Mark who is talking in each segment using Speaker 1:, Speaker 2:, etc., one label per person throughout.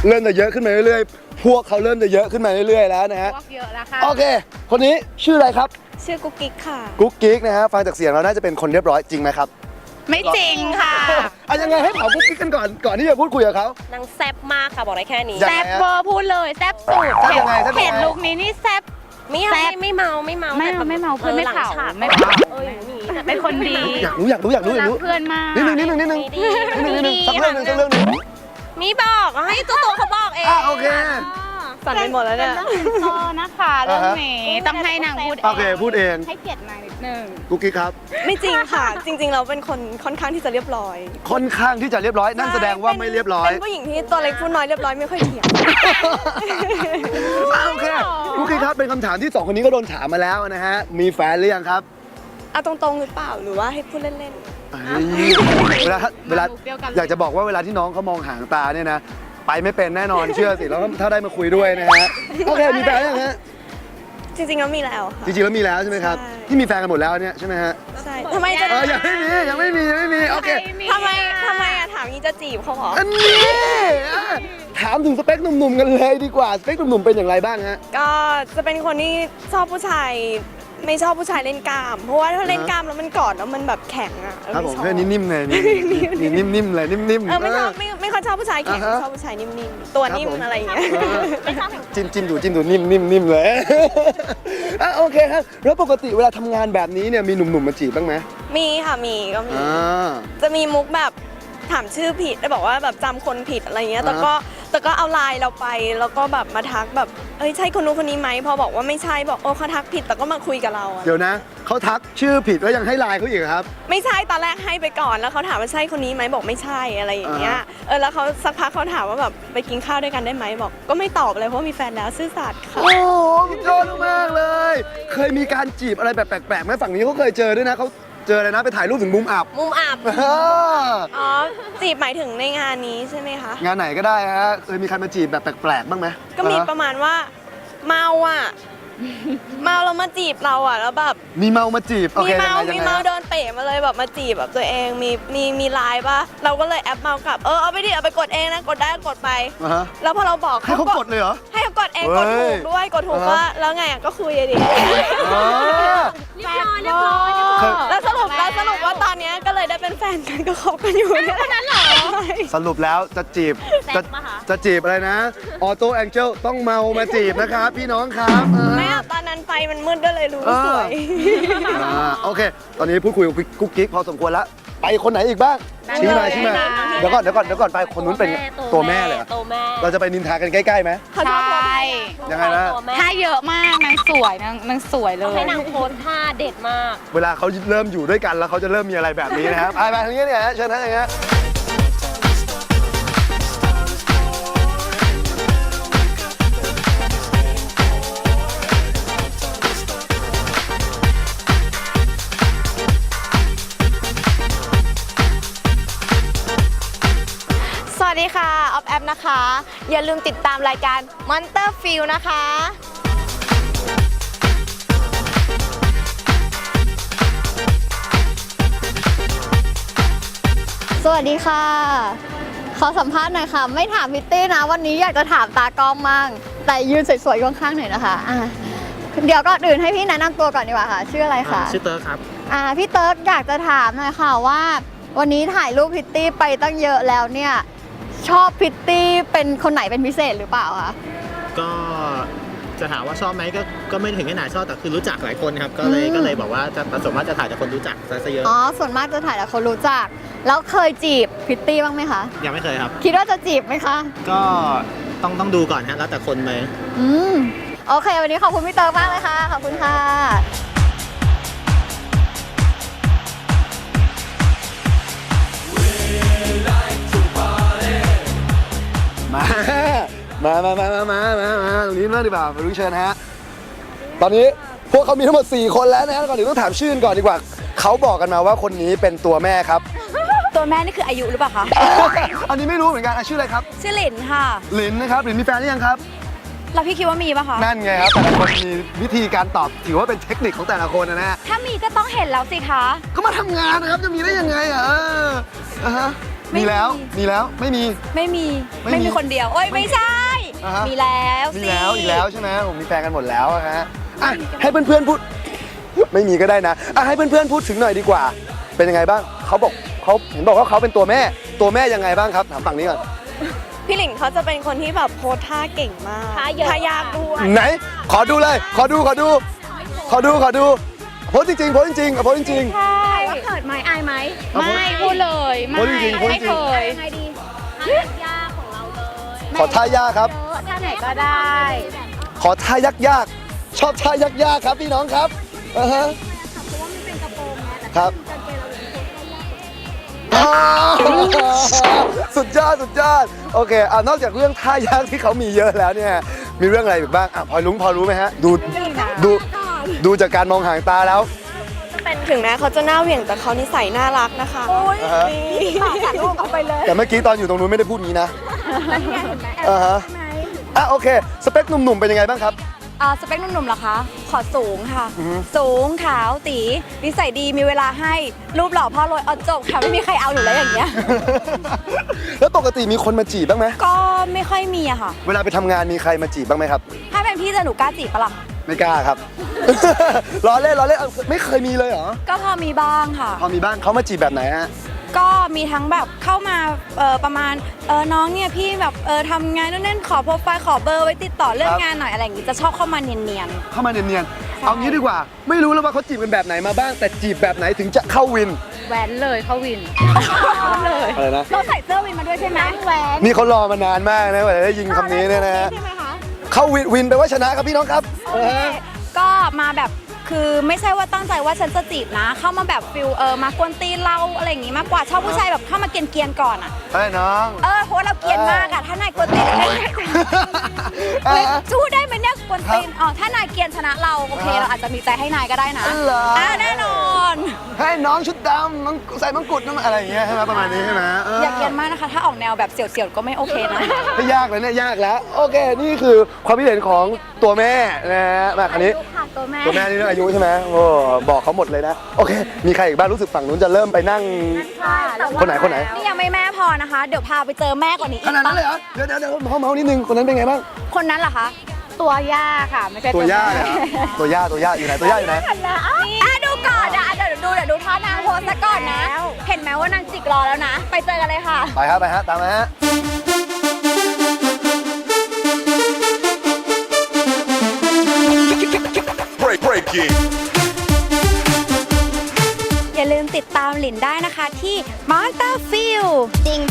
Speaker 1: เริ่มจะเยอะขึ้นมาเรื่อยๆพวกเขาเริ่มจะเยอะขึ้นมาเรื่อยๆแล้วนะฮะ
Speaker 2: พวกเยอะแล้วค่ะ
Speaker 1: โอเคคนนี้ชื่ออะไรครับ
Speaker 3: ชื่อกุ๊กกิ๊กค่ะ
Speaker 1: กุ๊กกิ๊กนะฮะฟังจากเสียงเราน่าจะเป็นคนเรียบร้อยจริงไหมครับ
Speaker 2: ไม่จริงค่ะ
Speaker 1: อ่ะยังไงให้ถามกุ๊กกิ๊กกันก่อนที่จะพูดคุยกับเขา
Speaker 4: นางแซ่บมากค่ะบอกได้แค่นี้
Speaker 1: ยัง
Speaker 2: แซ
Speaker 1: ไง
Speaker 2: บ
Speaker 1: ฮะ
Speaker 2: เวอร์พูดเลยแซบสุด
Speaker 1: แซ่บยังไงแซ่บยังไง
Speaker 2: เห็นลุคนี้นี่แซบ
Speaker 4: ไม่
Speaker 2: แซ่บ
Speaker 4: ไม่เมาแต่
Speaker 2: ไม่เมาเพื่อนไม่
Speaker 4: หลัง
Speaker 2: เผา
Speaker 4: ฉาก
Speaker 2: ไม่เผา
Speaker 4: อย่างนี้
Speaker 2: เป็นคนดี
Speaker 1: อยากรู้
Speaker 2: รักเพื่อนมาก
Speaker 1: นิดนึงสักเรื่องหนึ่ง
Speaker 4: มีบอกให้ตัวเขาบอกเอง
Speaker 1: โอเค
Speaker 3: สั่นไปหมดแล้วเนี่ย
Speaker 2: ต้องเป็นโซนะคะเรื่องนี้ต้องให้นางพูด
Speaker 1: โอเคพูดเอง
Speaker 2: ให้เกียรตินางนิดนึง
Speaker 1: กุ๊กกิ๊กครับ
Speaker 3: ไม่จริงค่ะ จริงๆเราเป็นคนค่อนข้างที่จะเรียบร้อย
Speaker 1: ค่อนข้างที่จะเรียบร้อยนั่นแสดงว่าไม่เรียบร้อย
Speaker 3: เป็นผู้หญิงที่ตัวเล็กผู้น้อยเรียบร้อยไม่ค่อยเถียง
Speaker 1: โอเคกุ๊กกิ๊กครับเป็นคำถามที่2คนนี้ก็โดนถามมาแล้วนะฮะมีแฟนหรือยังครับ
Speaker 3: เอาตรงๆหรือเปล่าหรือว่าให้พูดเล่น
Speaker 1: เวลาอยากจะบอกว่าเวลาที่น้องเขามองหางตาเนี่ยนะไปไม่เป็นแน่นอนเชื่อสิแล้วถ้าได้มาคุยด้วยนะฮะโอเคมีแฟนยังฮะ
Speaker 3: ๆจริงๆแล้วมีแล้วค่ะ
Speaker 1: จริงๆแล้วมีแล้วใช่ไหมครับ
Speaker 3: ใช่
Speaker 1: ที่มีแฟนกันหมดแล้วเนี่ยใช่ไหมฮะ
Speaker 3: ใช่ทำไมจะ
Speaker 1: ยังไม่มีโอเค
Speaker 3: ทำไมอะถามงี้จะจีบเขาเหรอ
Speaker 1: อันนี้ถามถึงสเปคหนุ่มๆกันเลยดีกว่าสเปคหนุ่มๆเป็นอย่างไรบ้างฮะ
Speaker 3: ก็จะเป็นคนที่ชอบผู้ชายไม่ชอบผู้ชายเล่นกล้าม เพราะว่าถ้าเล่นกล้ามแล้วมันกอดแล้วมันแบบแข็งอะ
Speaker 1: ครับผม
Speaker 3: ไชอบ
Speaker 1: เพื่อนนิ่มๆเลยนี่นิ่มๆเลยนิ่มๆ
Speaker 3: ไม่ชอบไม่ค่อยชอบผู้ชายแข็ง
Speaker 1: อ่าฮะ
Speaker 3: ชอบผู้ชายนิ่มๆตัวนิ่มอะไรอย่างเงี้ย
Speaker 1: จิ้มดูนิ่มๆเลย โอเคครับแล้วปกติเวลาทำงานแบบนี้เนี่ยมีหนุ่มๆมาจีบบ้างไหม
Speaker 3: มีค่ะมีก็มี จะมีมุกแบบถามชื่อผิดได้บอกว่าแบบจำคนผิดอะไรเงี้ยแต่ก็เอาไลน์เราไปแล้วก็แบบมาทักแบบเอ้ยใช่คนนู้นคนนี้ไหมพอบอกว่าไม่ใช่บอกโอ้เขาทักผิดแต่ก็มาคุยกับเราอะ
Speaker 1: เดี๋ยวนะเขาทักชื่อผิดแล้วยังให้ไลน์เขาอีกครับ
Speaker 3: ไม่ใช่ตอนแรกให้ไปก่อนแล้วเขาถามว่าใช่คนนี้ไหมบอกไม่ใช่อะไรอย่างเงี้ยแล้วเขาสักพักเขาถามว่าแบบไปกินข้าวด้วยกันได้ไหมบอกก็ไม่ตอบเลยเพราะว่ามีแฟนแล้วซื่อสัตย์ค่ะ
Speaker 1: โอ้โหยอดมากเลย เคยมีการจีบอะไรแบบแปลกๆไหมฝั่งนี้เขาเคยเจอด้วยนะเขาเจออะไรนะไปถ่ายรูปถึงมุมอับ
Speaker 4: มุมอับ
Speaker 3: อ๋อจีบหมายถึงในงานนี้ใช่ไหมคะ
Speaker 1: งานไหนก็ได้ฮะเคยมีใครมาจีบแบบแปลกๆบ้างไหม
Speaker 3: ก็มีประมาณว่าเมาอ่ะ เมาแล้วมาจีบเราอ่ะแล้วแบบ
Speaker 1: มีเมามาจีบโอ
Speaker 3: มี
Speaker 1: เค
Speaker 3: เมา
Speaker 1: ยังไง
Speaker 3: มีเมาโดนเตะมาเลยแบบมาจีบแบบตัวเองมีไลน์ปะเราก็เลยแอปเมากลับเอาไปดิเอาไปกดเองนะกดได้กดไป
Speaker 1: อ่าฮะ
Speaker 3: แล้วพอเราบอก
Speaker 1: ให้เขากดเลยเหรอ
Speaker 3: ให้เขากดเอง
Speaker 1: เฮ้
Speaker 3: ก
Speaker 1: ย
Speaker 3: ดถูกด้วยกดถูก
Speaker 1: อ่าฮะ
Speaker 3: ว่าแล้วไงอ่ะก็คุยอะดิ
Speaker 1: อ๋อ
Speaker 4: เรียบร้อยเรียบร้อย
Speaker 3: แล้วสรุปว่าตอนเนี้ยก็เลยได้เป็นแฟนกันก็คบกันอยู่เนี่ยนั้นเหรอ
Speaker 1: สรุปแล้วจะจีบจะจีบอะไรนะออโต้แองเจิลต้องเมามาจีบนะครับพี่น้องครับ
Speaker 3: ไม่อะตอนนั้นไฟมันมืดก็เลยรู้สวย
Speaker 1: โอเค ตอนนี้พูดคุยกับกุ๊กกิ๊กพอสมควรแล้วไปคนไหนอีกบ้างชี้มาเดี๋ยวก่อนไปคนนู้นเป็นตัวแม่เลยเหรอ
Speaker 4: ตัวแม่
Speaker 1: เราจะไปนินทากันใกล้ๆไหม
Speaker 3: เขาชอบ
Speaker 2: ใช่
Speaker 1: ยังไงนะ
Speaker 4: ตัวแม่
Speaker 2: ถ้าเยอะมากนางสวยนางสวยเล
Speaker 4: ต้อง
Speaker 2: ย
Speaker 4: ให้นางโพสท่าเด็ดมาก
Speaker 1: เวลาเขาเริ่มอยู่ด้วยกันแล้วเขาจะเริ่มมีอะไรแบบนี้นะครับ ไปทางนี้เนี่ยฮะเชิญท่านอย่างเงี้ย
Speaker 5: สวัสดีค่ะออฟแอปนะคะ อย่าลืมติดตามรายการ Monster Feel นะคะ สวัสดีค่ะ ขอสัมภาษณ์หน่อยค่ะ ไม่ถามพิตตี้นะ วันนี้อยากจะถามตากล้องมั่งแต่ยืนสวยๆข้างๆหน่อยนะคะเดี๋ยวก่อนอื่นให้พี่แนะนำตัวก่อนดีกว่าค่ะ ชื่ออะไรคะ
Speaker 6: ชื่อเติร์กครับ
Speaker 5: พี่เติร์กอยากจะถามหน่อยค่ะว่า วันนี้ถ่ายรูปพิตตี้ไปตั้งเยอะแล้วเนี่ย ชอบพิตตี้เป็นคนไหนเป็นพิเศษหรือเปล่าคะ
Speaker 6: ก็จะถามว่าชอบไหมก็ไม่ถึงขนาดชอบแต่คือรู้จักหลายคนครับ ก็เลยบอกว่าจะส่วนมากจะถ่ายจากคนรู้จักซะเยอะ
Speaker 5: อ๋อ ส่วนมากจะถ่ายแต่คนรู้จัก แล้วเคยจีบพิตตี้บ้างไหมคะ
Speaker 6: ยังไม่เคยครับ
Speaker 5: คิดว่าจะจีบไหมคะ
Speaker 6: ก็ต้องดูก่อนฮะแล้วแต่คนไป
Speaker 5: โอเค วันนี้ขอบคุณพี่เติร์กมากเลยค่ะ ขอบคุณค่ะ
Speaker 1: มาตรงนี้เริ่มดีกว่ามารู้เชิญฮะตอนนี้พวกเขามีทั้งหมด4คนแล้วนะฮะก่อนอื่นต้องถามชื่อก่อนดีกว่าเขาบอกกันมาว่าคนนี้เป็นตัวแม่ครับ
Speaker 5: ตัวแม่นี่คืออายุหรือเปล่าคะ
Speaker 1: อันนี้ไม่รู้เหมือนกันชื่ออะไรครับ
Speaker 5: ชื่อหลินค่ะ
Speaker 1: หลินนะครับหลินมีแฟนหรือยังครับ
Speaker 5: แล้วพี่คิดว่ามีปะคะ
Speaker 1: นั่นไงครับแต่ละคนมีวิธีการตอบถือว่าเป็นเทคนิคของแต่ละคนนะฮะ
Speaker 5: ถ้ามีก็ต้องเห็นแล้วสิคะ
Speaker 1: ก็มาทำงานนะครับจะมีได้ยังไงอ่ะมีแล้วไม่มี
Speaker 3: ไม่มี
Speaker 1: ไม่มี
Speaker 3: คนเดียวโอ้ยไม่ใช่
Speaker 1: อ่าฮะ
Speaker 3: มีแล้ว
Speaker 1: มี
Speaker 3: สิ
Speaker 1: แล้วอีกแล้วใช่ไหมผมมีแฟนกันหมดแล้วอะฮะอ่ะให้เพื่อนๆพูด ไม่มีก็ได้นะอ่ะให้เพื่อนๆพูดถึงหน่อยดีกว่า เป็นยังไงบ้างเขาเห็นบอกว่าเขาเป็นตัวแม่ยังไงบ้างครับถามฝั่งนี้ก่อน
Speaker 3: พี่หลิงเขาจะเป็นคนที่แบบโพสท่าเก่งมาก
Speaker 4: ท่าเยอะ
Speaker 3: ท่ายากด้วย
Speaker 1: ไหนขอดูเลยขอดูโพสจริงๆอ่ะโพสจริง
Speaker 2: ใช่
Speaker 5: ว่าเขินไหมอายไหม
Speaker 2: ไม่พูดเลยไม่
Speaker 1: พูดจริงๆพูดจริง
Speaker 2: ไม่เคย
Speaker 5: ยังไงดี
Speaker 4: ยากของเราเลย
Speaker 1: ขอท่ายากครับ
Speaker 2: ท่าไหนก็ได้
Speaker 1: ขอท่ายากชอบท่ายากครับพี่น้องครับฮะครับอ๋อสุดยอดโอเคนอกจากเรื่องท่ายากที่เขามีเยอะแล้วเนี่ยมีเรื่องอะไรอีกบ้างพอรู้ไหมฮะดูจากการมองหางตาแล้ว
Speaker 3: เป็นถึงแม้เขาจะหน้าเหวี่ยงแต่เขานิสัยน่ารักนะคะ
Speaker 1: อ่าฮะ
Speaker 3: ตัดลูกเอาไปเลย
Speaker 1: แต่เมื่อกี้ตอนอยู่ตรงนู้นไม่ได้พูดงี้นะฮะโอเคสเปคหนุ่มๆเป็นยังไงบ้างครับ
Speaker 3: สเปคหนุ่มๆเหรอคะ ขอสูงค่ะ
Speaker 1: อือฮึ
Speaker 3: สูงขาวตีนิสัยดีมีเวลาให้รูปหล่อพ่อรวยเอาจบค่ะไม่มีใครเอาหนูแล้วอย่างเงี้ย
Speaker 1: แล้วปกติมีคนมาจีบบ้างไหม
Speaker 3: ก็ไม่ค่อยมีอะค่ะ
Speaker 1: เวลาไปทำงานมีใครมาจีบบ้างไหมครับ
Speaker 3: ถ้าเป็นพี่จะหนูกล้าจีบปะล่ะ
Speaker 1: ไม่กล้าครับ ล้อเล่นไม่เคยมีเลยเหรอ
Speaker 3: ก็พอมีบ้างค่ะ
Speaker 1: พอมีบ้างเขามาจีบแบบไหนฮะ
Speaker 3: ก็มีทั้งแบบเข้ามาประมาณน้องเนี่ยพี่แบบทำงานนู่นนั่นขอโปรไฟล์ขอเบอร์ไว้ติดต่อเรื่อง
Speaker 1: ครับ
Speaker 3: งานหน่อยอะไรอย่างงี้จะชอบเข้ามาเนียน
Speaker 1: เข้ามาเนียนๆเอางี้ดีกว่า ไม่รู้แล้วว่าเขาจีบกันแบบไหนมาบ้าง แต่จีบแบบไหนถึงจะเข้าวิน
Speaker 2: แหวนเลยเข้าวินเลย
Speaker 1: อะไรนะ
Speaker 3: ๆเราใส่เสื้อวินมาด้วยใช่ไหมแหวน
Speaker 1: นี่เขารอมานานมากนะกว่าจะได้ยิงคำนี้เนี่ยนะฮะ
Speaker 3: ใช่ไหมคะ
Speaker 1: เข้าวินแปลว่าชนะครับพี่น้องครับ
Speaker 3: ก็มาแบบคือไม่ใช่ว่าตั้งใจว่าฉันจะจีบนะ เข้ามาแบบฟิลมากวนตีนเราอะไรอย่างงี้มากกว่าชอบผู้ชายแบบเข้ามาเกรียนๆก่อนอ่ะ
Speaker 1: เฮ้ยน้อง
Speaker 3: เพราะว่าเราเกรียนมากอะถ้านายกวนตีนเลยสู้ได้ไหมเนี่ยกวนตีนถ้านายเกรียนชนะเราโอเคเราอาจจะมีใจให้นายก็ได้นะ
Speaker 1: เหรอ
Speaker 3: แน่นอน
Speaker 1: ให้น้องชุดดำน้องใส่มังกุฎน้องอะไรอย่างเงี้ยใช่ไหมประมาณนี้ใช่ไหม
Speaker 3: อย่าเกรียนมากนะคะ ถ้าออกแนวแบบเสี่ยวๆก็ไม่โอเคนะ
Speaker 1: ไม่ยากเลยเนี่ยยากแล้ว โอเค นี่คือความคิดเห็นของตัวแม่นะฮะมาคันนี้
Speaker 5: ค่ะตัวแม่
Speaker 1: ตัวแม่นี่เรื่องอายุใช่ไหมโอ้บอกเขาหมดเลยนะ โอเค มีใครอีกบ้างรู้สึกฝั่งนู้นจะเริ่มไปนั่ง คนไหน
Speaker 3: นี่ยังไม่แม่พอนะคะ เดี๋ยวพาไปเจอแม่กว่านี้อี
Speaker 1: ข
Speaker 3: ก
Speaker 1: นาดนั้นเลยเหรอ เดี๋ยวเมานิดนึง คนนั้นเป็นไงบ้าง
Speaker 3: คนนั้นเหรอคะ
Speaker 2: ตัวย่าค่ะ ไม่ใช่
Speaker 1: ตัวย่า
Speaker 2: แม่
Speaker 1: เนี่ยเหรอตัวย่าอยู่ไหนตัวย่าอยู่ไหน
Speaker 3: ดูก่อนเดี๋ยวดูท่านางโพสซะก่อนนะ เห็นไหมว่านางจิกรอแล้วนะ ไปเจอกันเลยค่ะ
Speaker 1: ไปฮะตามมาฮะ
Speaker 7: Break it.
Speaker 3: อย่าลืมติดตามหลินได้นะคะที่ Monster Feel
Speaker 5: จริง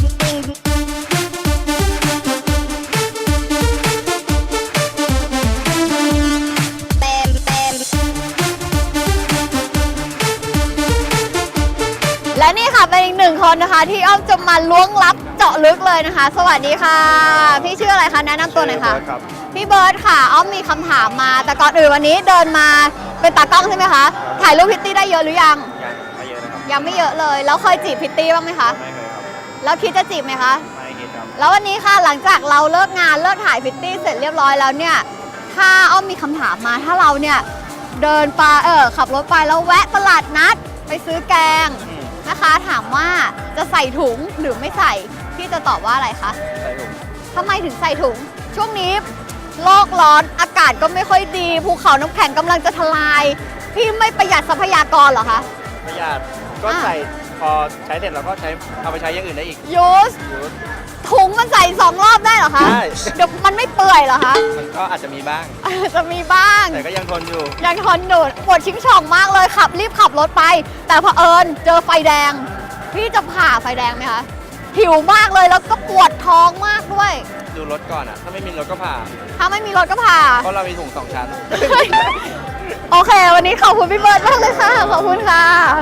Speaker 5: และนี่ค่ะเป็นอีกหนึ่งคนนะคะ ที่อ้อมจะมาล้วงลับเจาะลึกเลยนะคะ สวัสดีค่ะ พี่ชื่ออะไรคะแนะนำตัวหน่อยค่ะ พี่เบิร์ดค่ะอ้อมมีคำถามมา แต่ก่อนอื่นวันนี้เดินมาเป็นตากล้องใช่ไหมคะถ่ายรูปพิตตี้ได้เยอะหรือยังยังไม่เยอะเลยแล้วเคยจีบพิตตี้บ้างไหมคะไม่เคยครับแล้วคิดจะจีบไหมคะไม่คิดครับแล้ววันนี้ค่ะหลังจากเราเลิกงานเลิกถ่ายพิตตี้เสร็จเรียบร้อยแล้วเนี่ยถ้าอ้อมมีคำถามมาถ้าเราเนี่ยเดินไปขับรถไปแล้วแวะตลาดนัดไปซื้อแกงนะคะถามว่าจะใส่ถุงหรือไม่ใส่พี่จะตอบว่าอะไรคะใส่ถุงทำไมถึงใส่ถุงช่วงนี้โลกร้อนอากาศก็ไม่ค่อยดีภูเขาน้ำแข็งกำลังจะทลายพี่ไม่ประหยัดทรัพยากรเหรอคะ
Speaker 8: ประหยัดก็ใส่พอใช้เสร็จเราก็เอาไปใช้อย่างอื่นได้อีก
Speaker 5: ยูสถุงมันใส่2 รอบได้เหรอคะ
Speaker 8: ได้
Speaker 5: เดี๋ยวมันไม่เปื่อยเหรอคะ
Speaker 8: มันก็อาจจะมีบ้าง
Speaker 5: จะมีบ้าง
Speaker 8: แต่ก็ยังทนอยู่
Speaker 5: ยังทนอยู่ปวดชิงช่องมากเลยรีบขับรถไป แต่เผอิญเจอไฟแดง พี่จะผ่าไฟแดงไหมคะหิวมากเลยแล้วก็ปวดท้องมากด้วย
Speaker 8: ดูรถก่อนอ่ะ ถ้าไม่มีรถก็ผ่า
Speaker 5: ถ้าไม่มีรถก็ผ่า
Speaker 8: เพราะเรามีถุง2 ชั้น
Speaker 5: โอเค วันนี้ขอบคุณพี่เบิร์ดมากเลยค่ะ ขอบคุณค่ะ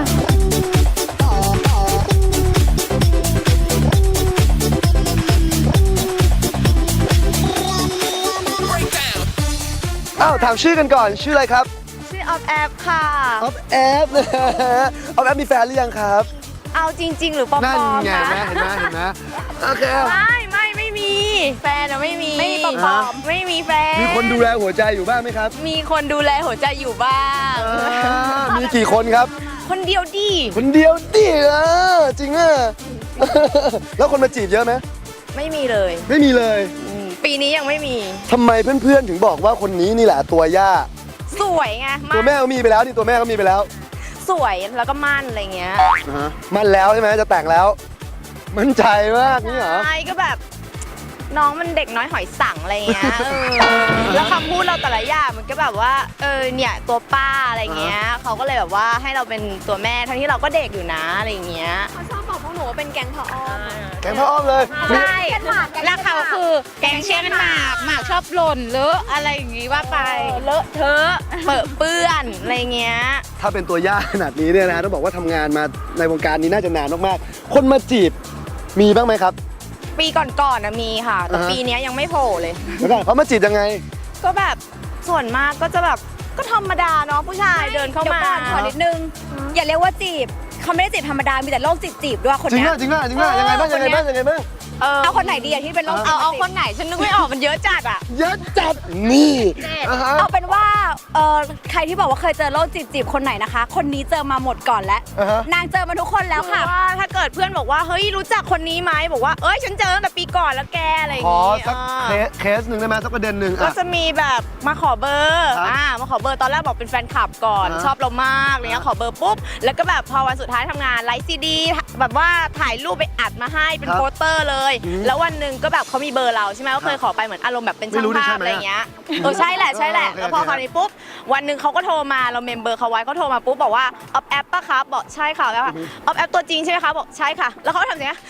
Speaker 1: อ้าวถามชื่อกันก่อนชื่ออะไรครับ
Speaker 3: ชื่อออฟแอปค่ะ
Speaker 1: ออฟแอฟนะฮะออฟแอฟมีแฟนหรือยังครับ
Speaker 3: เอาจริง ๆ หรือปลอม
Speaker 1: นั่น
Speaker 3: ๆ
Speaker 1: ไง
Speaker 3: นะ
Speaker 1: เห็นไหมโอเค
Speaker 3: ไม่มี แฟนอะไม่มี ไม่มีปลอมๆไม่มีแฟน
Speaker 1: มีคนดูแลหัวใจอยู่บ้างไหมครับ
Speaker 3: มีคนดูแลหัวใจอยู่บ้าง
Speaker 1: มีกี่คนครับ
Speaker 3: คนเดียวดิ
Speaker 1: คนเดียวดิจริงอ่ะแล้วคนมาจีบเยอะไหม
Speaker 3: ไม่มีเลย
Speaker 1: ไม่มีเลย
Speaker 3: ปีนี้ยังไม่มี
Speaker 1: ทำไมเพื่อนๆถึงบอกว่าคนนี้นี่แหละตัวย่า
Speaker 3: สวยไง
Speaker 1: ตัวแม่ก็มีไปแล้วนี่ตัวแม่ก็มีไปแล้ว
Speaker 3: สวยแล้วก็มั่นอะไรเงี้ย
Speaker 1: มั่นแล้วใช่ไหมจะแต่งแล้ว มั่นใจมากนี่เหรอ
Speaker 3: ใช่ก็แบบน้องมันเด็กน้อยหอยสังอะไรเงี้ยแล้วคำพูดเราแต่ละอย่างมันก็แบบว่าเนี่ยตัวป้าอะไรเงี้ยเขาก็เลยแบบว่าให้เราเป็นตัวแม่ทั้งที่เราก็เด็กอยู่นะอะไรเงี้ยเขาชอบบอกพวกหนูว่าเป็นแก๊งพ่ออ้อม
Speaker 1: แกงพ่ออ้อมเลย
Speaker 2: ใช่แล้วเขาคือแกงเช่นหมากชอบหล่นเลอะอะไรอย่างงี้ว่าไป
Speaker 3: เลอะเทอะเปิดเปื้อนอะไรเงี้ย
Speaker 1: ถ้าเป็นตัวย่าขนาดนี้เนี่ยนะต้องบอกว่าทำงานมาในวงการนี้น่าจะนานมากๆคนมาจีบมีบ้างไหมครับ
Speaker 3: ปีก่อนๆนะมีค่ะแต่ปีนี้ยังไม่โผล่เลย
Speaker 1: แล้วก็เขามาจีบยังไง
Speaker 3: ก็แบบส่วนมากก็จะแบบก็ธรรมดาเนาะผู้ชายเดินเข้ามา
Speaker 4: ดี๋ยวก่อนขอนิดนึง อย่าเรียกว่าจีบเขาไม่ได้จีบธรรมดา มีแต่โรคจีบด้วยคน
Speaker 1: จริง
Speaker 4: เนี้ย
Speaker 1: อ่ะจริงอ่ะจริงอ่ะยังไงบ้างยังไงบ้างยังไงบ้าง
Speaker 4: เอาคนไหนดีอะที่เป็นโรค
Speaker 3: เอาคนไหนฉันนึกไม่ออกมันเยอะจัดอ่ะ
Speaker 1: เยอะจัดนี่อ่าฮะ
Speaker 4: เอาเป็นว่าใครที่บอกว่าเคยเจอโรคจีบคนไหนนะคะ คนนี้เจอมาหมดก่อนแล้ว
Speaker 1: อ่าฮะ
Speaker 4: นางเจอมาทุกคนแล้วค่ะ
Speaker 3: ว่าถ้าเกิดเพื่อนบอกว่าเฮ้ยรู้จักคนนี้ไหมบอกว่าเอ้ยฉันเจอตั้งแต่ปีก่อนแล้วแกอะไรอย่าง
Speaker 1: ขอ
Speaker 3: งี้
Speaker 1: สักเคสหนึ่งได้ไหมสักประเด็นหนึ่ง
Speaker 3: ก็
Speaker 1: อ่ะ
Speaker 3: จะมีแบบมาขอเบอร์
Speaker 1: ครับ
Speaker 3: มาขอเบอร์ตอนแรกบอกเป็นแฟนคลับก่อน
Speaker 1: อ่า
Speaker 3: ชอบเรามากอะไรเงี้ยขอเบอร์ปุ๊บแล้วก็แบบพอวันสุดท้ายทำงานไลฟ์ซีดีแบบว่าถ่ายรูปไปอัดมาให้เป็นโปสเตอร์เลย แล้ววันหนึ่งก็แบบเขามีเบอร์เราใช่ไหมก็เคยขอไปเหมือนอารมณ์แบบเป็นช่างภาพอะไรเงี้ยใช่แหละแล้วพอคราวนี้ปุ๊บวันหนึ่งเขาก็โทรมาเราเมมเบอร์เขาไว้เขาโทรมาปุ๊บบอกว่าออฟแอปป่ะครับบอกใช่ค่ะแล้วออฟแอปตัวจริงใช่ไหมคะบอกใช่ค่ะ แล้วเขาก็ทำอย่างเงี้ย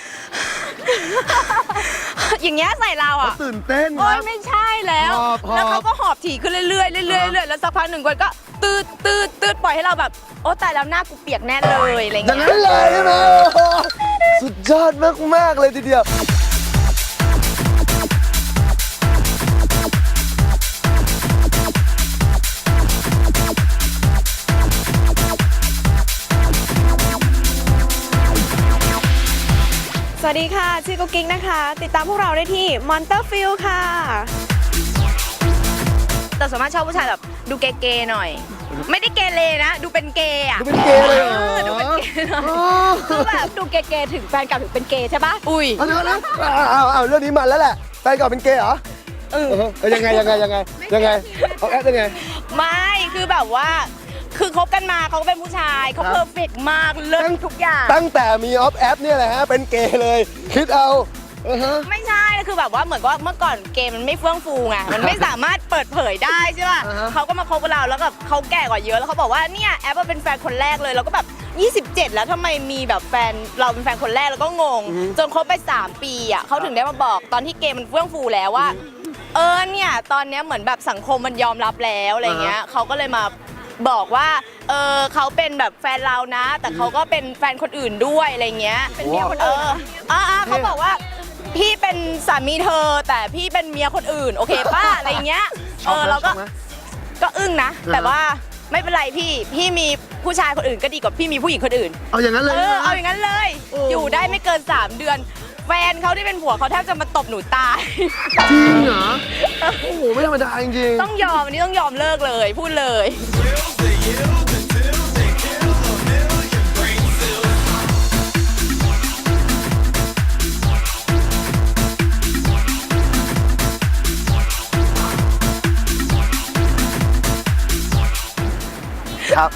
Speaker 3: อย่างเงี้ยใส่เรา
Speaker 1: เขา
Speaker 3: อ่ะ
Speaker 1: ตื่นเต้นค
Speaker 3: โอ๊
Speaker 1: รั
Speaker 3: ย
Speaker 1: บ
Speaker 3: ไม่ใช่แล้ว
Speaker 1: หอบ
Speaker 3: แล้วเขาก็หอบถี่ขึ้นเรื่อยๆเรื่อยๆเรื่อยๆแล้วสักพักหนึ่งคนก็ตืดปล่อยให้เราแบบโอ้ตายแล้วหน้ากูเปียกแน่เลยอะไร
Speaker 1: อย่าง
Speaker 3: เงี้ย
Speaker 1: นั้นเลยใช่ไหมโอ้โหสุดยอดมากๆเลยทีเดียว
Speaker 3: สวัสดีค่ะ ชื่อกุ๊กกิ๊กนะคะ ติดตามพวกเราได้ที่ Monsterfield ค่ะ แต่ส่วนมากชอบผู้ชายแบบดูเกย์ๆหน่อย ไม่ได้เกเรนะ ดูเป็นเกย์อ่ะ
Speaker 1: ดูเป็นเกย์เลยเหรอ
Speaker 3: ดูเป็นเกย์หน่อย
Speaker 4: คือแบบดูเกย์ๆถึงแฟนเก่าถึงเป็นเกย์ใช่ปะ
Speaker 3: อุ้ย
Speaker 1: เอาเดี๋ยวนะเอาเรื่องนี้มันแล้วแหละแฟนเก่าเป็นเกย์เหรอยังไงเอาแอปยังไง
Speaker 3: ไม่คือแบบว่า คือคบกันมาเขาก็เป็นผู้ชายเขา
Speaker 1: ครับ
Speaker 3: เพอร์เฟกต์มากเลิศทุกอย่าง
Speaker 1: ตั้งแต่มีออฟแอปเนี่ยแหละฮะเป็นเกย์เลยคิดเอาฮะ
Speaker 3: ไม่ใช่คือแบบว่าเหมือนกับว่าเมื่อก่อนเกมมันไม่เฟื่องฟูไง มันไม่สามารถเปิดเผยได้ใช่ป่ะ
Speaker 1: อ่าฮะ
Speaker 3: เขาก็มาคบกับเราแล้วแบบเขาแก่กว่าเยอะแล้วเขาบอกว่าเนี่ยแอปเป็นแฟนคนแรกเลยแล้วก็แบบ 27 แล้วทำไมมีแบบแฟนเราเป็นแฟนคนแรกแล้วก็งง จนคบไป 3 ปีอ่ะเขาถึงได้มาบอกตอนที่เกมมันเฟื่องฟูแล้วว่าเนี่ยตอนเนี้ยเหมือนแบบสังคมมันยอมรับแล้วอะไรเงี้ยเขาก็เลยมาบอกว่าเขาเป็นแบบแฟนเรานะ แต่เขาก็เป็นแฟนคนอื่นด้วยอะไรเงี้ยเป็นเมียคนอื่นเขาบอกว่าพี่เป็นสามีเธอแต่พี่เป็นเมียคนอื่นโอเคป้าอะไรเงี้ยเราก็อึ้งนะแต่ว่าไม่เป็นไรพี่มีผู้ชายคนอื่นก็ดีกว่าพี่มีผู้หญิงคนอื่น
Speaker 1: เอาอย่างนั้นเลย
Speaker 3: เอาอย่างนั้นเลย อยู่ได้ไม่เกิน 3 เดือน แฟนเขาที่เป็นผัวเขาแทบจะมาตบหนูตาย
Speaker 1: จริงเหรอโอ้โหไม่ธรรมดาจริงๆ
Speaker 3: ต้องยอมอันนี้ต้องยอมเลิกเลยพูดเลย
Speaker 1: ครับ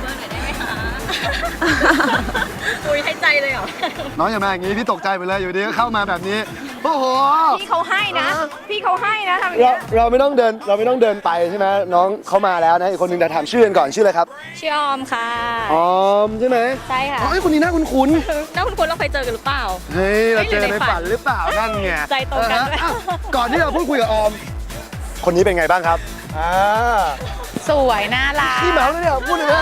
Speaker 4: อุ้ยให้ใจเลยเหรอ
Speaker 1: น้องอย่ามาอย่างนี้พี่ตกใจไปเลยอยู่ดีก็เข้ามาแบบนี้โอ้โห
Speaker 3: พี่เขาให้นะ พี่เขาให้นะทำอย่าง
Speaker 1: เรา
Speaker 3: เงี้ย
Speaker 1: เราไม่ต้องเดินไปใช่ไหมน้องเขามาแล้วนะอีกคนหนึงแต่ถามชื่อกันก่อนชื่ออะไรครับ
Speaker 2: ชื่อออมค่ะ
Speaker 1: ออมใช่ไหม
Speaker 2: ใช่ค่ะ
Speaker 1: อ๋อไอ้คนนี้น่าคุ้น
Speaker 2: แล้วคุณเราเคยเจอกันหรือเปล่า
Speaker 1: ๆเฮ้ยเราเจอในฝันหรือเปล่านั่นไง
Speaker 2: ใจตรงกันด้วย
Speaker 1: อ่ะก่อนที่เราพูดคุยกับออม คนนี้เป็นไงบ้างครับ
Speaker 2: สวยน่ารัก
Speaker 1: พี่เหมาเลยเนี่ยพูดเลยนะ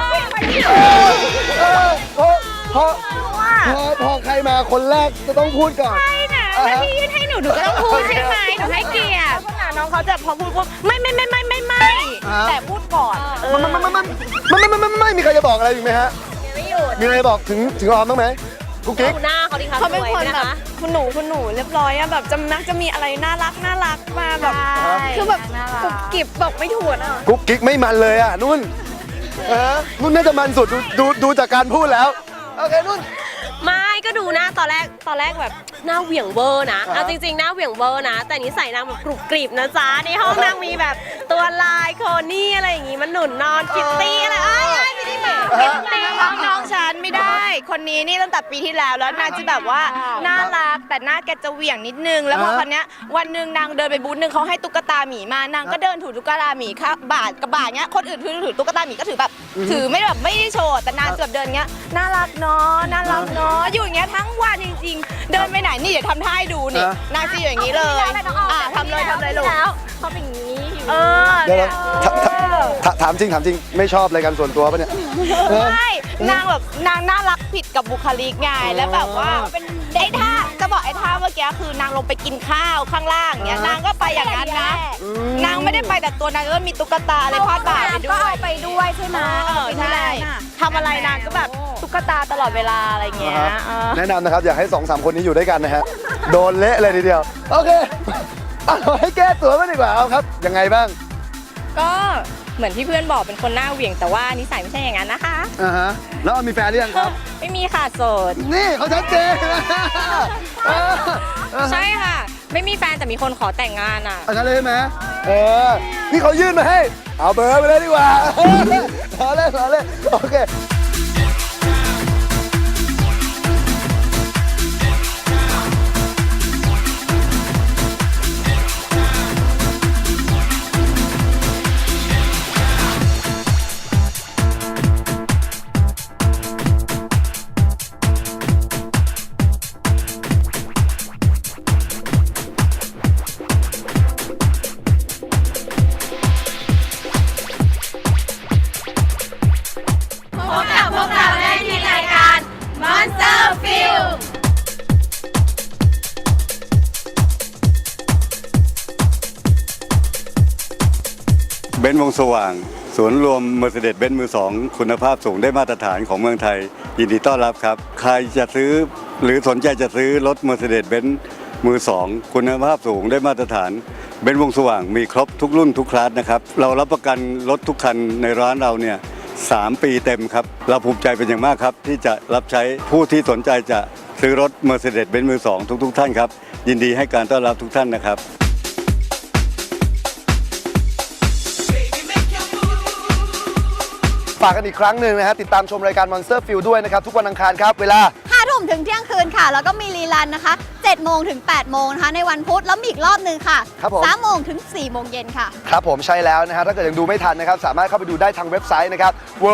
Speaker 1: พอใครมาคนแรกจะต้องพูดก่อน
Speaker 2: ใช่นะแล้วพี่ยื่นให้หนูก็ต้องพูดใช่ไหมหนูให้เกียรติ
Speaker 3: ขนาดน้องเขาจะพอพูดปุ๊บไม่แต่พูดก่อน
Speaker 1: ไม่มีใครจะบอกอะไรอีกไหมฮะมีอะไรบอกถึงออมบ้างไหมกุ๊กกิ๊ก
Speaker 4: หน้าเขาดิคะ
Speaker 3: เขาเป็น
Speaker 4: ส
Speaker 3: ค
Speaker 4: วย
Speaker 3: น
Speaker 4: นะ
Speaker 3: แบบ
Speaker 4: คะ
Speaker 3: คุณหนูเรียบร้อยอะแบบจะมีอะไรน่ารักมาแบบ คือแบบกุบกิบบอกไม่ถูกอะ
Speaker 1: กุ๊กกิ๊กไม่มันเลยอ่ะนุ่นนุ่นน่าจะมันสุดดูจากการพูดแล้วโอเคนุ่น
Speaker 4: ไม่
Speaker 7: ก็ดูหน้าตอนแรกแบบหน้าเหวี่ยงเวอร์นะเอาจริงๆหน้าเหวี่ยงเวอร์นะแต่นิสัยนางแบบกรุบกริบนะจ๊ะในห้องนางมีแบบตัวลายโคนี่อะไรอย่างงี้มันหนุนนอนคิตตี้อะไรไม่ได้บอก
Speaker 2: น้องฉันไม่ได้ คนนี้นี่ตั้งแต่ปีที่แล้วนางจะแบบว่าน่ารักแต่หน้าแกจะเหวี่ยงนิดนึง แล้วพอคนเนี้ยวันหนึ่งนางเดินไปบูธหนึ่งเขาให้ตุ๊กตาหมีมานางก็เดินถือตุ๊กตาหมีค่ะบาทกับบาทเนี้ยคนอื่นถือตุ๊กตาหมีก็ถือแบบถือไม่ได้โชว์แต่นางจะแบบเดินเงี้ยน่ารักเนาะน่ารักเนาะอยู่อย่างเงี้ยทั้งวันจริงๆ เดินไปไหนนี่เดี๋ยวทำท่าให้ดูนี่นางจะอยู่อย่างนี้เลยทำเลยลูก
Speaker 7: เขาเป็นอย่างนี้อยู่
Speaker 1: เดี๋ยวถามจริงไม่ชอบอะไรกันส่วนตัวปะเนี่ย
Speaker 2: ไม่นางแบบนางน่ารักผิดกับบุคลิกไงแล้วแบบว่าเป็นไอ้ท่าจะบอกไอ้ท่าเมื่อกี้คือนางลงไปกินข้าวข้างล่างเนี้ยนางก็ไปอย่างนั้นนะนางไม่ได้ไปแต่ตัวนางก็มีตุ๊กตาอะไรพาดบ่าไปด้วย
Speaker 4: ไปด้วยใช่ไหม
Speaker 2: ใช่ทำอะไรนางก็แบบตุ๊กตาตลอดเวลาอะไรเงี้ย
Speaker 1: แนะนำนะครับอยากให้ 2-3 คนนี้อยู่ด้วยกันนะฮะโดนเละเลยทีเดียวโอเคเราให้แก้ตัวกันดีกว่าเอาครับยังไงบ้าง
Speaker 2: ก็เหมือนที่เพื่อนบอกเป็นคนหน้าเหวี่ยงแต่ว่านิสัยไม่ใช่อย่างนั้นนะคะ
Speaker 1: แล้วมีแฟนหรือยังครับ
Speaker 2: ไม่มีค่ะโสด
Speaker 1: นี่เขาชัดเจน
Speaker 2: ใช่ค่ะ ไม่มีแฟนแต่มีคนขอแต่งงานอ่ะ
Speaker 1: อันนั้นเลยใช่ไหมนี่เขายื่นมาให้เอาเบอร์ไปเลยดีกว่าล้อเล่นโอเค
Speaker 9: เบนซ์วงสว่างศูนย์รวม Mercedes-Benz มือ 2 คุณภาพสูงได้มาตรฐานของเมืองไทยยินดีต้อนรับครับใครจะซื้อหรือสนใจจะซื้อรถ Mercedes-Benz มือ 2 คุณภาพสูงได้มาตรฐานเบนซ์วงสว่างมีครบทุกรุ่นทุกคลาสนะครับเรารับประกันรถทุกคันในร้านเราเนี่ย3 ปีเต็มครับเราภูมิใจเป็นอย่างมากครับที่จะรับใช้ผู้ที่สนใจจะซื้อรถ Mercedes-Benz มือ 2 ทุกท่านครับยินดีให้การต้อนรับทุกท่านนะครับ
Speaker 1: ฝากกันอีกครั้งหนึ่งนะฮะติดตามชมรายการ Monster Field ด้วยนะครับทุกวันอังคารครับเวลา
Speaker 5: 5 ทุ่มถึงเที่ยงคืนค่ะ แล้วก็มีรีลันนะคะ 7 โมงถึง 8 โมงนะคะในวันพุธแล้วมีอีกรอบหนึ่งค่ะ
Speaker 1: ครับผม
Speaker 5: 3 โมงถึง 4 โมงเย็นค่ะ
Speaker 1: ครับผมใช่แล้วนะฮะถ้าเกิดยังดูไม่ทันนะครับสามารถเข้าไปดูได้ทางเว็บไซต์นะครับ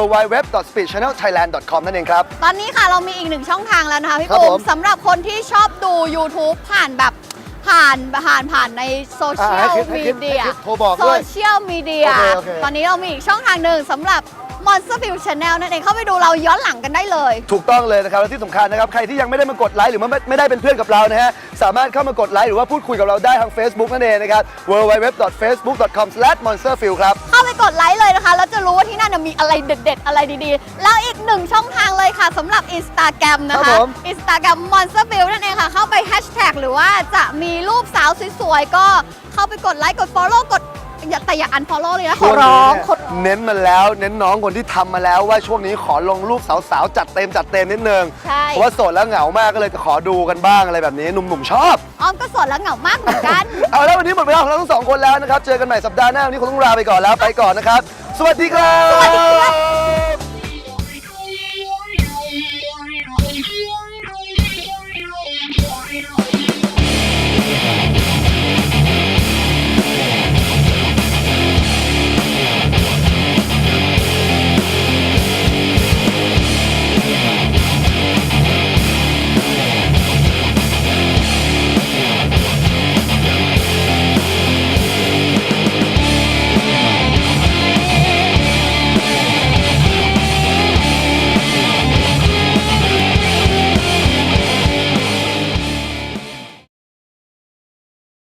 Speaker 1: www.speedchannelthailand.com นั่นเองครับ
Speaker 5: ตอนนี้ค่ะเรามีอีกหนึ่งช่องทางแล้วนะคะพี่
Speaker 1: ครับ
Speaker 5: ปู
Speaker 1: ผม
Speaker 5: มสำหรับคนที่ชอบดู YouTube ผ่านแบบผ่านในโซเชียล
Speaker 1: ให้
Speaker 5: มี
Speaker 1: คิด
Speaker 5: เดีย
Speaker 1: โทรบอก
Speaker 5: โซ
Speaker 1: ด้วย
Speaker 5: เชียลมีเดีย
Speaker 1: โอเค
Speaker 5: ตอนนี้เรามีอีกช่องทางหนึ่งสำหรับ Monster Field Channel นั่นเองเข้าไปดูเราย้อนหลังกันได้เลย
Speaker 1: ถูกต้องเลยนะครับและที่สำคัญนะครับใครที่ยังไม่ได้มากดไลค์หรือไม่ได้เป็นเพื่อนกับเรานะฮะสามารถเข้ามากดไลค์หรือว่าพูดคุยกับเราได้ทาง Facebook นั่นเองนะครับ www.facebook.com/monsterfield ครับ
Speaker 5: เข้าไปกดไลค์เลยนะคะ แล้วจะรู้ว่าที่นั่นนะมีอะไรเด็ดๆ อะไรดีๆ แล้วอีกหนึ่งช่องทางเลยค่ะสำหรับ Instagram นะ
Speaker 1: ครั
Speaker 5: คะ
Speaker 1: บผม
Speaker 5: Instagram Monster Field นั่นเองค่ะ เข้าไปแฮชแท็กหรือว่าจะมีรูปสาวสวยๆ ก็เข้าไปกดไลค์กด Follow แต่อย่า unfollow เลยนะขอร้อง
Speaker 1: เน้นมาแล้วเน้นน้องคนที่ทำมาแล้วว่าช่วงนี้ขอลงรูปสาวๆจัดเต็มนิดนึง
Speaker 5: ใช่
Speaker 1: เพราะว่าโสดแล้วเหงามากก็เลยจะขอดูกันบ้างอะไรแบบนี้หนุ่มๆชอบ
Speaker 5: ออมก็โสดแล้วเหงามากเหมือนกัน
Speaker 1: เอาแล้ววันนี้หมดเวลาของเราทั้งสองคนแล้วนะครับเจอกันใหม่สัปดาห์หน้าวันนี้คงต้องลาไปก่อนแล้วไปก่อนนะครับสวัสดีครับ